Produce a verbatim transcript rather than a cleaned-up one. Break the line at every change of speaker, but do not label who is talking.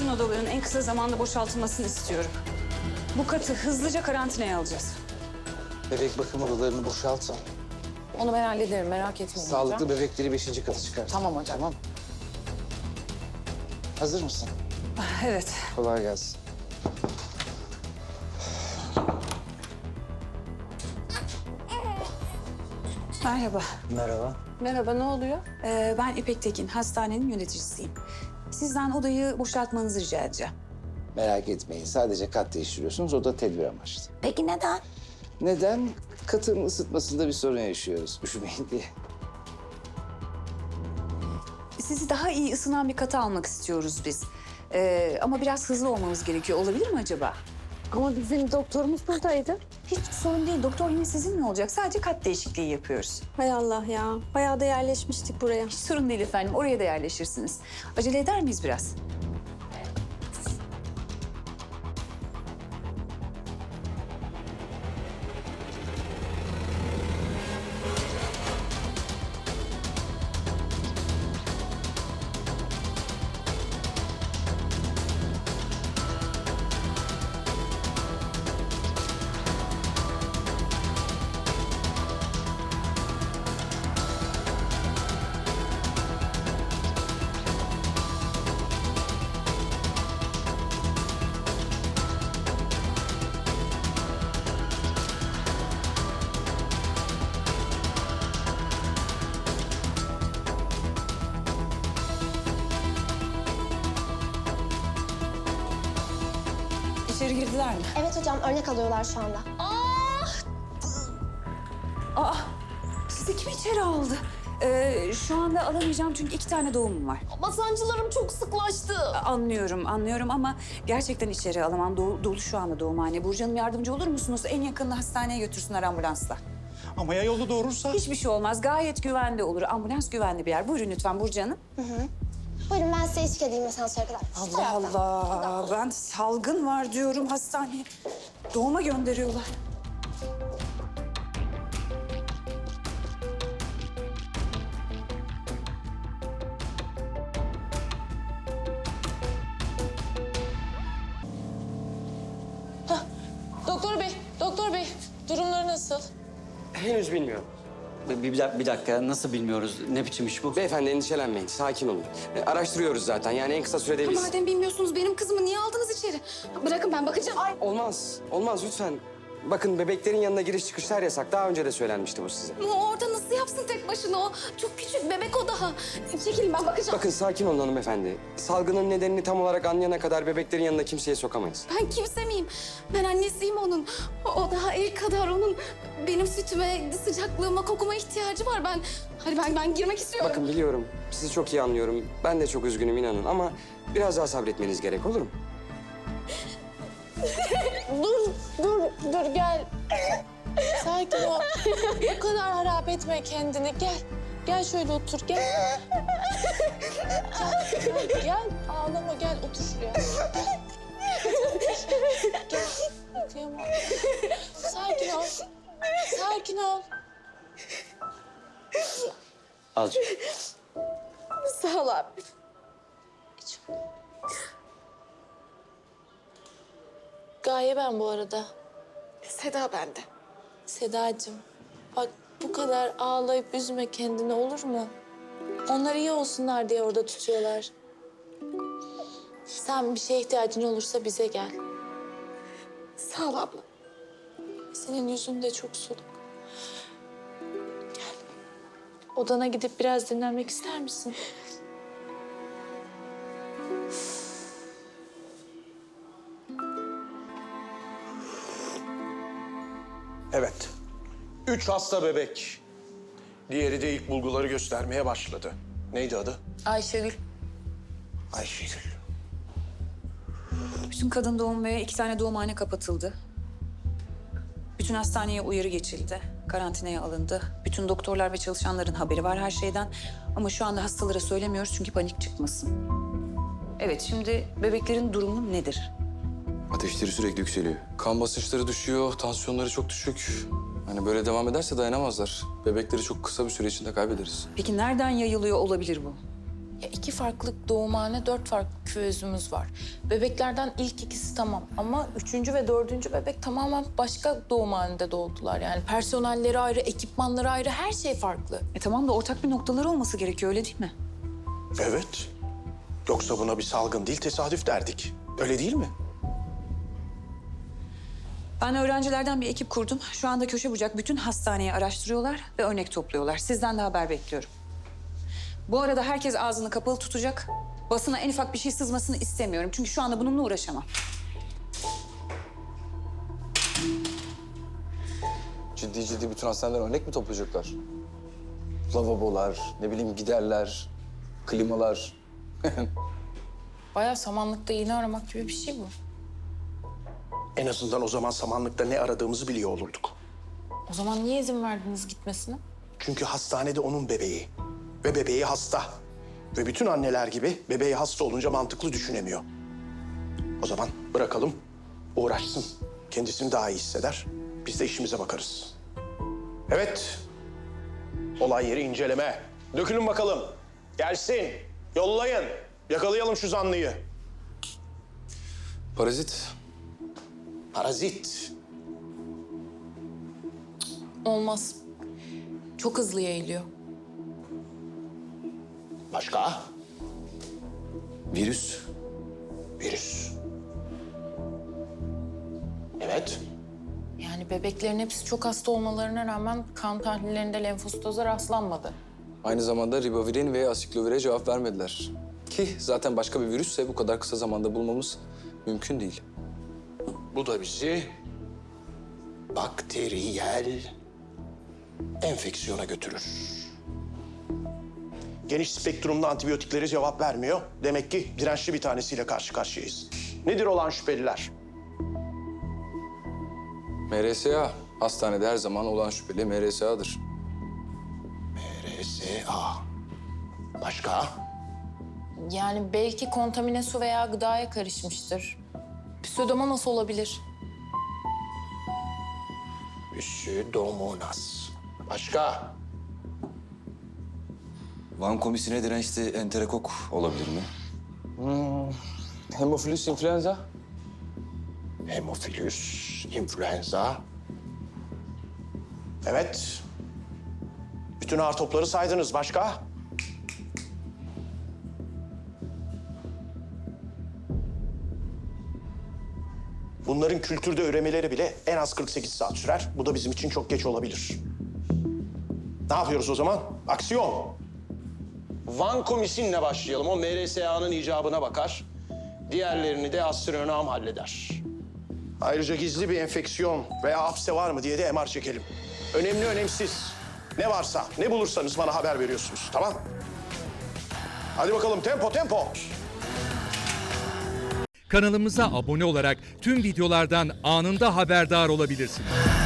bütün odaların en kısa zamanda boşaltılmasını istiyorum. Bu katı hızlıca karantinaya alacağız.
Bebek bakım odalarını boşaltın.
Onu ben hallederim, merak etmeyin
Sağlıklı
hocam.
bebekleri beşinci kata çıkart.
Tamam hocam.
Tamam. Hazır mısın?
Evet.
Kolay gelsin.
Merhaba.
Merhaba.
Merhaba, ne oluyor?
Ee, ben İpek Tekin, hastanenin yöneticisiyim. Sizden odayı boşaltmanızı rica edeceğim.
Merak etmeyin. Sadece kat değiştiriyorsunuz. O da tedbir amaçlı.
Peki neden?
Neden? Katın ısıtmasında bir sorun yaşıyoruz. Üşümeyin diye.
Sizi daha iyi ısınan bir kata almak istiyoruz biz. Ee, ama biraz hızlı olmamız gerekiyor. Olabilir mi acaba?
Ama bizim doktorumuz buradaydı.
Hiç sorun değil. Doktor yine sizinle olacak. Sadece kat değişikliği yapıyoruz.
Hay Allah ya. Bayağı da yerleşmiştik buraya.
Hiç sorun değil efendim. Oraya da yerleşirsiniz. Acele eder miyiz biraz? İçeri girdiler mi?
Evet hocam, örnek alıyorlar şu anda.
Aa, sizi kim içeri aldı? Ee, şu anda alamayacağım çünkü iki tane doğumum var.
Ama sancılarım çok sıklaştı.
Anlıyorum, anlıyorum ama gerçekten içeri alamam. Dolu, dolu şu anda doğumhane. Burcu Hanım yardımcı olur musunuz? En yakın hastaneye götürsünler ambulansla.
Ama ya yolda doğurursa?
Hiçbir şey olmaz. Gayet güvende olur. Ambulans güvenli bir yer. Buyurun lütfen Burcu Hanım.
Buyurun ben size eşlik edeyim asansöre kadar. Şu
Allah
taraftan.
Allah. Ben salgın var diyorum hastaneye. Doğuma gönderiyorlar.
Doktor bey, doktor bey. Durumları nasıl?
Henüz bilmiyorum.
Bir, bir, dak- bir dakika, nasıl bilmiyoruz? Ne biçim iş bu?
Beyefendi endişelenmeyin, sakin olun. E, araştırıyoruz zaten, yani en kısa sürede biz...
Madem bilmiyorsunuz benim kızımı niye aldınız içeri? Bırakın ben bakacağım. Ay.
Olmaz, olmaz lütfen. Bakın bebeklerin yanına giriş çıkışlar yasak. Daha önce de söylenmişti bu size.
O orada nasıl yapsın tek başına o? Çok küçük bebek o daha. Çekilin ben bakacağım.
Bakın sakin olun hanımefendi. Salgının nedenini tam olarak anlayana kadar bebeklerin yanına kimseye sokamayız.
Ben kimse miyim? Ben annesiyim onun. O, o daha el kadar onun benim sütüme, sıcaklığıma, kokuma ihtiyacı var. Ben hadi ben ben girmek istiyorum.
Bakın biliyorum, sizi çok iyi anlıyorum. Ben de çok üzgünüm inanın ama biraz daha sabretmeniz gerek, olur mu?
Dur, dur, dur gel. Sakin ol. Bu kadar harap etme kendini. Gel, gel şöyle otur, gel. Gel, gel, gel. Ağlama, gel otur şuraya. Gel. Kıyamam. Sakin ol. Sakin ol.
Azıcık.
Sağ ol abi. Hiç. Gaye ben bu arada.
Seda bende.
Sedacığım, bak bu kadar ağlayıp üzme kendini olur mu? Onlar iyi olsunlar diye orada tutuyorlar. Sen bir şeye ihtiyacın olursa bize gel.
Sağ ol abla.
Senin yüzün de çok soluk. Gel. Odana gidip biraz dinlenmek ister misin?
Evet. Üç hasta bebek. Diğeri de ilk bulguları göstermeye başladı. Neydi adı?
Ayşegül.
Ayşegül.
Bütün kadın doğum ve iki tane doğumhane kapatıldı. Bütün hastaneye uyarı geçildi. Karantinaya alındı. Bütün doktorlar ve çalışanların haberi var her şeyden. Ama şu anda hastalara söylemiyoruz çünkü panik çıkmasın. Evet, şimdi bebeklerin durumu nedir?
Ateşleri sürekli yükseliyor. Kan basınçları düşüyor, tansiyonları çok düşük. Hani böyle devam ederse dayanamazlar. Bebekleri çok kısa bir süre içinde kaybederiz.
Peki nereden yayılıyor olabilir bu?
Ya iki farklı doğumhane, dört farklı küvezimiz var. Bebeklerden ilk ikisi tamam ama üçüncü ve dördüncü bebek tamamen başka doğumhanede doğdular. Yani personelleri ayrı, ekipmanları ayrı, her şey farklı.
E tamam da ortak bir noktaları olması gerekiyor, öyle değil mi?
Evet. Yoksa buna bir salgın değil, tesadüf derdik. Öyle değil mi?
Ben öğrencilerden bir ekip kurdum. Şu anda köşe bucak bütün hastaneyi araştırıyorlar ve örnek topluyorlar. Sizden de haber bekliyorum. Bu arada herkes ağzını kapalı tutacak. Basına en ufak bir şey sızmasını istemiyorum. Çünkü şu anda bununla uğraşamam.
Ciddi ciddi bütün hastaneler örnek mi toplayacaklar? Lavabolar, ne bileyim giderler, klimalar.
Bayağı samanlıkta iğne aramak gibi bir şey bu.
En azından o zaman samanlıkta ne aradığımızı biliyor olurduk.
O zaman niye izin verdiniz gitmesine?
Çünkü hastanede onun bebeği. Ve bebeği hasta. Ve bütün anneler gibi bebeği hasta olunca mantıklı düşünemiyor. O zaman bırakalım, uğraşsın. Kendisini daha iyi hisseder. Biz de işimize bakarız. Evet. Olay yeri inceleme. Dökülün bakalım. Gelsin. Yollayın. Yakalayalım şu zanlıyı.
Parazit.
Parazit.
Olmaz. Çok hızlı yayılıyor.
Başka?
Virüs.
Virüs. Evet.
Yani bebeklerin hepsi çok hasta olmalarına rağmen kan tahlillerinde lenfositoza rastlanmadı.
Aynı zamanda ribavirin ve asiklovire cevap vermediler. Ki zaten başka bir virüsse bu kadar kısa zamanda bulmamız mümkün değil.
Bu da bizi bakteriyel enfeksiyona götürür. Geniş spektrumlu antibiyotiklere cevap vermiyor. Demek ki dirençli bir tanesiyle karşı karşıyayız. Nedir olan şüpheliler?
M R S A. Hastanede her zaman olan şüpheli M R S A'dır.
R S A. Başka?
Yani belki kontamine su veya gıdaya karışmıştır. Pseudomonas olabilir.
Pseudomonas. Başka?
Vankomisine dirençli enterokok olabilir mi?
Hemofilus influenza.
Hemofilus influenza. Evet. Bütün ağır topları saydınız. Başka? Bunların kültürde üremeleri bile en az kırk sekiz saat sürer. Bu da bizim için çok geç olabilir. Ne yapıyoruz o zaman? Aksiyon. Vankomisinle başlayalım. O M R S A'nın icabına bakar. Diğerlerini de astronom halleder. Ayrıca gizli bir enfeksiyon veya hapse var mı diye de M R çekelim. Önemli önemsiz. Ne varsa, ne bulursanız bana haber veriyorsunuz, tamam? Hadi bakalım, tempo tempo.
Kanalımıza abone olarak tüm videolardan anında haberdar olabilirsiniz.